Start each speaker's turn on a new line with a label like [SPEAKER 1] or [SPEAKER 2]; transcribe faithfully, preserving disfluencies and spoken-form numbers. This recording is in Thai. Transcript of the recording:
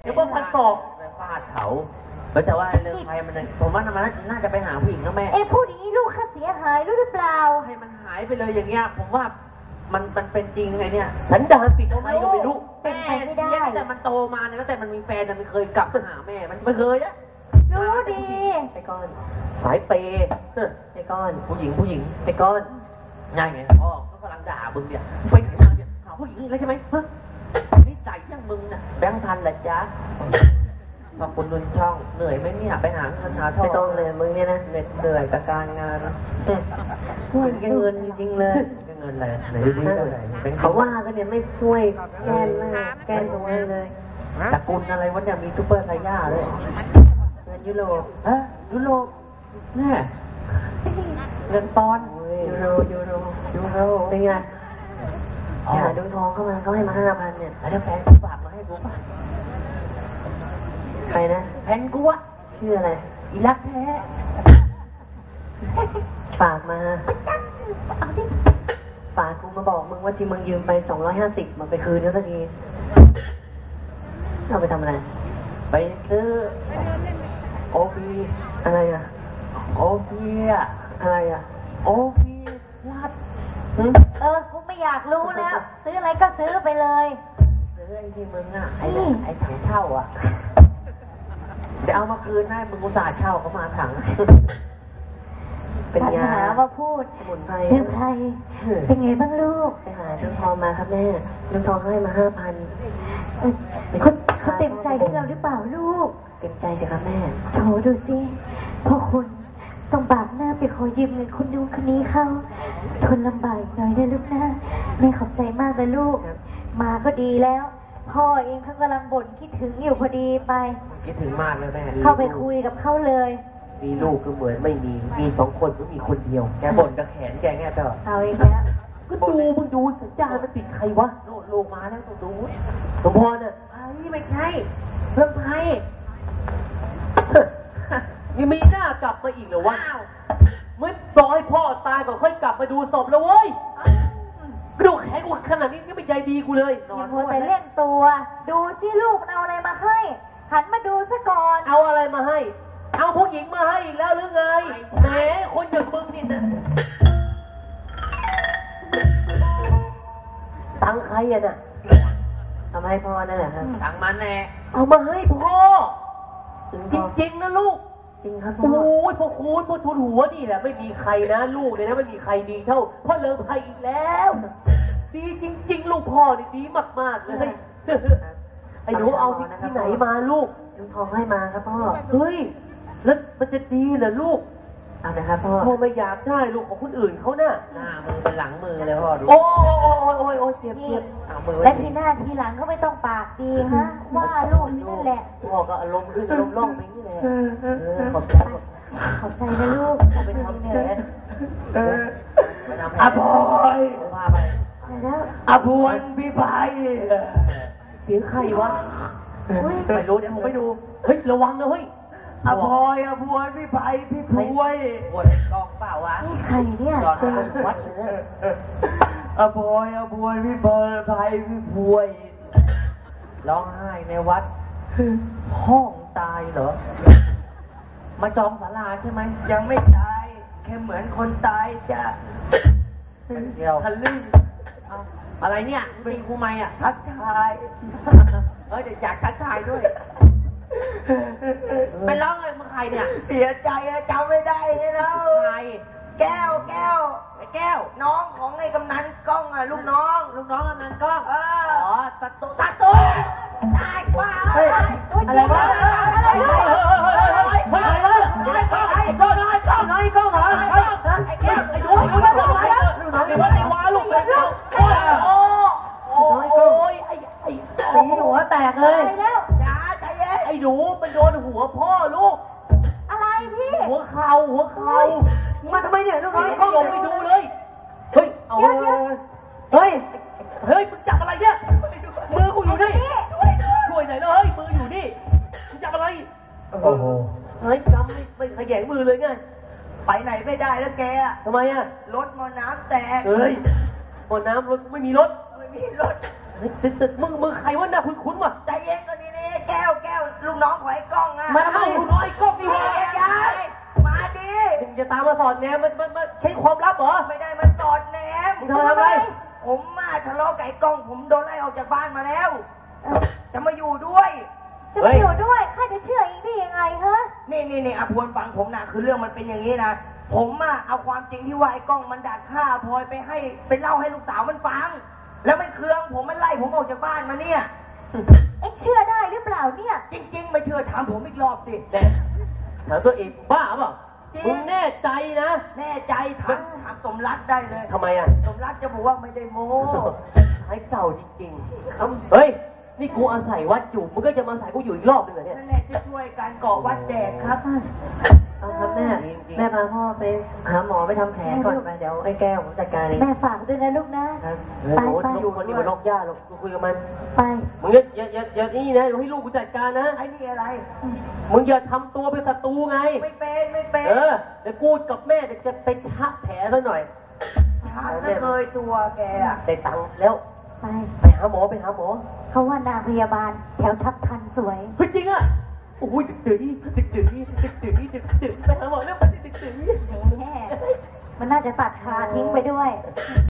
[SPEAKER 1] เดี๋ยวว่าฟันศอก
[SPEAKER 2] ไปฟาดเขาแต่ว่าเรื่องใครมันผมว่ามันน่าจะไปหาผู้หญิงนะแม่
[SPEAKER 3] เอ้พูดอย่างนี้ลูกข้าเสียหายรู้หรือเปล่า
[SPEAKER 2] ให้มันหายไปเลยอย่างเงี้ยผมว่ามันมันเป็นจริงไงเนี่ย
[SPEAKER 1] สันดานติดใครก็ไม่รู้
[SPEAKER 3] เป็นไปไม่ได้
[SPEAKER 2] แต่มันโตมาเนี่ยตั้งแต่มันมีแฟนแต่มันเคยกลับมาหาแม่มันไม่เคยนะ
[SPEAKER 3] รู้ดี
[SPEAKER 1] ไอ้ก้อนสายเปย์ไอ้ก้อน
[SPEAKER 2] ผู้หญิงผู้หญิง
[SPEAKER 1] ไอ้ก้อน
[SPEAKER 2] ง่ายไงพ่อก็กำลังด่ามึงเนี่ยไปไหนมาเนี่ยหาผู้หญิงแล้วใช่ไหมเฮ้ยนี่ใจยังมึงน่ะแบงค์พันแหละจ๊ะขอบคุณดุนช่องเหนื่อยไหมเนี่ยไปหาเงินหาทอง
[SPEAKER 1] ไม่ต้องเลยมึงเนี่ยนะเหน็ดเหนื่อยกับการงานพูดแค่เงินจริงๆเลย
[SPEAKER 2] เงินอะไรไหนดูเท่าไหร่
[SPEAKER 1] เขาว่าก็เนี่ยไม่ช่วยแก้หน้าแก้ตรงนี้เลย
[SPEAKER 2] ตระกูลอะไรวะเนี่ยมีซูเปอร์ไซย่าเลย
[SPEAKER 1] เงินยุโรป
[SPEAKER 2] ฮะยุโรปแน่เงินปอน
[SPEAKER 1] ยูโรยูโรยูโรเป็นไงหาดวงทองเข้ามาเขาให้มาห้าพันเนี่ย
[SPEAKER 2] แล้วแฟนกูฝากมาให้กูป่ะ
[SPEAKER 1] ใครนะ
[SPEAKER 2] แฟนกูอะ
[SPEAKER 1] ชื่ออะไร
[SPEAKER 2] อีรักแท้
[SPEAKER 1] ฝากมาฝากกูมาบอกมึงว่าที่มึงยืมไปสองร้อยห้าสิบมาไปคืนแล้วสักทีเอาไปทำอะไร
[SPEAKER 2] ไปซื้อโอพี
[SPEAKER 1] อะไรอะ
[SPEAKER 2] โอพีอะ
[SPEAKER 1] อะไรอะ
[SPEAKER 2] โอพีรัด
[SPEAKER 3] เออกูไม่อยากรู้แล้วซื้ออะไรก็ซื้อไปเลย
[SPEAKER 2] ซื้อไอ้ที่มึงอะไอ้ไอ้ถังเช่าอะเดี๋ยวเอามาคืนให้มึงอุตส่าห์เช่าเขามาถัง
[SPEAKER 3] เป็นยาหาว่าพูด
[SPEAKER 1] สมุนไพร
[SPEAKER 3] ชื่อไพรเป็นไงบ้างลูก
[SPEAKER 1] ไปหาลุงทองมาครับแม่ลุงทองให้มาห้าพัน
[SPEAKER 3] เขาเขาเต็มใจให้เราหรือเปล่าลูก
[SPEAKER 1] เต็มใจสิครับแม่
[SPEAKER 3] โถดูสิพ่อคุณต้องบากหน้าไปขอยืมเงินคนนู้นคนนี้เข้าทนลำบากหน่อยนะลูกนะแม่ขอบใจมากนะลูกมาก็ดีแล้วพ่อเองเขากำลังบ่นคิดถึงอยู่พอดีไป
[SPEAKER 2] คิดถึงมากเลยแม่
[SPEAKER 3] เข้าไปคุยกับเขาเลย
[SPEAKER 1] มีลูกก็เหมือนไม่มีมีสองคนก็มีคนเดียว
[SPEAKER 2] แกบ่นกับแขนแกแง่ตลอด
[SPEAKER 3] เอาอีกแล้ว
[SPEAKER 1] ก็ดูมึงดูสัญญาณมันติดใครวะ
[SPEAKER 2] โน่ลูกมาแล้วต้องดู
[SPEAKER 1] สมพรน่ะ
[SPEAKER 2] ไอ้ไม่ใช่เพิ่มไพ่
[SPEAKER 1] ยังมีหน้ากลับมาอีกเหรอวะไม่รอให้พ่อตายก่อนค่อยกลับมาดูศพแล้วเว้ยกระดูกแข็งอุดขนาดนี้นี่เป็นใยดีกูเลย
[SPEAKER 3] นอนแต่เล่นตัวดูสิลูกเอาอะไรมาให้หันมาดูซะก่อน
[SPEAKER 1] เอาอะไรมาให้เอาผู้หญิงมาให้อีกแล้วหรือไงแหมคนอย่างมึงนี่นะตังใครอ่ะน่ะทำให้พ่อนั่นแหละครับ
[SPEAKER 2] ตังมันแน่
[SPEAKER 1] เอามาให้พ่อจริงๆนะลูกจริงครับพ่อโอ้ยพ่อคูณพ่อทุนหัวนี่แหละไม่มีใครนะลูกเลยนะไม่มีใครดีเท่าพ่อเลิงไพอีกแล้วดีจริงๆลูกพ่อนี่ดีมากๆเลยไอ้หนูเอาที่ไหนมาลูกลุงทองให้มาครับพ่อเฮ้ยแล้วมันจะดีเหรอลูกเอานะครับพ่อพ่อไม่อยากได้ลูกของคนอื่นเขาน่ะ
[SPEAKER 2] หน้ามือเป็นหลังมือเลยพ่อดู
[SPEAKER 1] โอ้โอ้โอ้โอ้โอ้เจ็บเจ็บ
[SPEAKER 2] เอามือ
[SPEAKER 3] และทีหน้าทีหลังก็ไม่ต้องปากดีฮะว่าลูกนั่นแหละ
[SPEAKER 1] พ่อก็อารมณ์ขึ้นอารมณ์ร่องไปนี่แหละขอบใจ
[SPEAKER 3] ขอบใจนะลูก
[SPEAKER 1] ไปทำแผล
[SPEAKER 2] อาภย
[SPEAKER 1] พาไป
[SPEAKER 3] แล้ว
[SPEAKER 2] อาภวยพี่ไพ
[SPEAKER 1] เสียงใครวะ
[SPEAKER 2] ไม่รู้เดี๋ยวผมไปดู
[SPEAKER 1] เฮ้ยระวังนะเฮ้ย
[SPEAKER 2] อาภยอาภวยพี่ไพพี่พวยปวดกองเปล่าวะ
[SPEAKER 3] นี่ใครเนี่ย
[SPEAKER 1] ตัววัดเลย
[SPEAKER 2] อาภยอาภวยพี่เบิร์ไพพี่พวยร้องไห้ในวัดห้องตายเหรอมาจองศาลาใช่ไหมยังไม่ตายแค่เหมือนคนตายจะเดียวทะลึ่งอะไรเนี่ยตีกูไหมอ่ะทักทายเอ้ยเดี๋ยวอยากทักทายด้วยไปร้องเลยมึงใครเนี่ยเสียใจจำไม่ได้แล้วใครแก้วแก้วไอ้แก้วน้องของไอ้กำนันกล้องอ่ะลูกน้องลูกน้องกำนันกล้องเอออ๋อสัตว์สัตว์ตัวตายกว่า
[SPEAKER 1] อะไรวะอะไรวะอะไรวะไอ้กล้องไอ้กล้องไอ้กล้องไอ้กล้องไอ้กล้องไอ้แก้วไอ้ดูไอ้ดูไอ้ดูไอ้ดูไอ้ดูไอ้วาลูกไอ้ดูโอ้โอ้โอ้ยไอ้ไอ้ตีหัวแตกเลย
[SPEAKER 3] แล้ว
[SPEAKER 2] อย่าใจเย็น
[SPEAKER 1] ไอ้หนูมันโดนหัวพ่อลูก
[SPEAKER 3] อะไรพี่
[SPEAKER 1] หัวเข่าหัวเข่ามาทำไมเนี่ยลูกนี่ก็ลงไปดูเลยเฮ้ยเอาเฮ้ยเฮ้ยมึงจับอะไรเนี่ยมือกูอยู่นี่ช่วยหน่อยเลยเฮ้ยมืออยู่นี่มึงจับอะไรโอ้โหเฮ้ยจำไม่ไม่ขยันมือเลยไง
[SPEAKER 2] ไปไหนไม่ได้แล้วแก
[SPEAKER 1] ทำไมอ่ะ
[SPEAKER 2] รถมอน้ำแตก
[SPEAKER 1] เฮ้ยมอน้ำรถไม่มีรถ
[SPEAKER 2] ไม่มีรถ
[SPEAKER 1] ตึ๊ดตึ๊ดมึงมึงใครวะหน้าคุ้นๆวะ
[SPEAKER 2] ใจเย็นก่อนนี่นี่แก้วกน้องของไอ้กล้องอ่ะ
[SPEAKER 1] มาทำไมลูกน้อยก็มีวะ
[SPEAKER 2] ยายมาดิ
[SPEAKER 1] มึงจะตามมาสอดแนมมันมันมันใช้ความลับเหรอ
[SPEAKER 2] ไม่ได้มันสอดแนม
[SPEAKER 1] มึงทำอะไร
[SPEAKER 2] ผมมาทะเลาะกับไอ้กล้องผมโดนไล่ออกจากบ้านมาแล้ว จะมาอยู่ด้วย
[SPEAKER 3] จะมาอยู่ด้วยข้าจะเชื่ออีกได้ยังไงฮะ
[SPEAKER 2] นี่นี่นี่อาพวนฟังผมนะคือเรื่องมันเป็นอย่างนี้นะผมอะเอาความจริงที่ว่าไอ้กล้องมันดักฆ่าพลอยไปให้ไปเล่าให้ลูกสาวมันฟัง แล้วมันเคืองผมมันไล่ผมออกจากบ้านมาเนี่ย
[SPEAKER 3] เอ็งเชื่อได้หรือเปล่าเนี่ย
[SPEAKER 2] จริง ๆ ไม่เชื่อถามผมอีกรอบสิ
[SPEAKER 1] แน่ถามตัวเองบ้าเปล่ามึงแน่ใจนะ
[SPEAKER 2] แน่ใจถามถามสมรักได้เลย
[SPEAKER 1] ทำไมอ่ะ
[SPEAKER 2] สมรักจะบอกว่าไม่ได้โม้
[SPEAKER 1] ใช้เก่าจริงๆเฮ้ยนี่กูอาศัยวัดอยู่มึงก็จะมาอาศัยกูอยู่อีกรอบหนึงเหรอเนี่ย
[SPEAKER 2] นั่นแหละจะช่วยการก่อวัดแดกครับ
[SPEAKER 4] เอาครับแม่แม่พาพ่อไปหาหมอไปทำแผลก่อนไปเดี๋ยวไอ้แก้วผมจัดการเอง
[SPEAKER 3] แม่ฝากด้วยนะลูกนะ
[SPEAKER 4] ครับ
[SPEAKER 1] เฮ้ย
[SPEAKER 3] ไป
[SPEAKER 1] โอ้ย
[SPEAKER 3] ไป
[SPEAKER 1] ลูกคนนี้มันนอกย่าหรอกกูคุยกับมัน
[SPEAKER 3] ไป
[SPEAKER 1] มึงอย่าอย่าอย่าอย่านี่นะเดี๋ยวให้ลูกกูจัดการนะ
[SPEAKER 2] ไอ้นี่อะไร
[SPEAKER 1] มึงอย่าทำตัวเป็นศัตรูไง
[SPEAKER 2] ไม่เป็นไม่เป็น
[SPEAKER 1] เออเดี๋ยวกูกับแม่เดี๋ยวจะไปชะแผลซะหน่อย
[SPEAKER 2] ช้าไม่เคยตัวแกอะ
[SPEAKER 1] ได้ตังค์แล้ว
[SPEAKER 3] ไป
[SPEAKER 1] ไปหาหมอไปหาหมอ
[SPEAKER 3] เขาว่านางพยาบาลแถวทับทันสวย
[SPEAKER 1] เฮ้ยจริงอ่ะโอ้ยดึกดื่นดึกดื่นดึกดื่นดึกดื่นไปหาหมอแล้วไปดึกดื่น
[SPEAKER 3] แม่มันน่าจะตัดขาทิ้งไปด้วย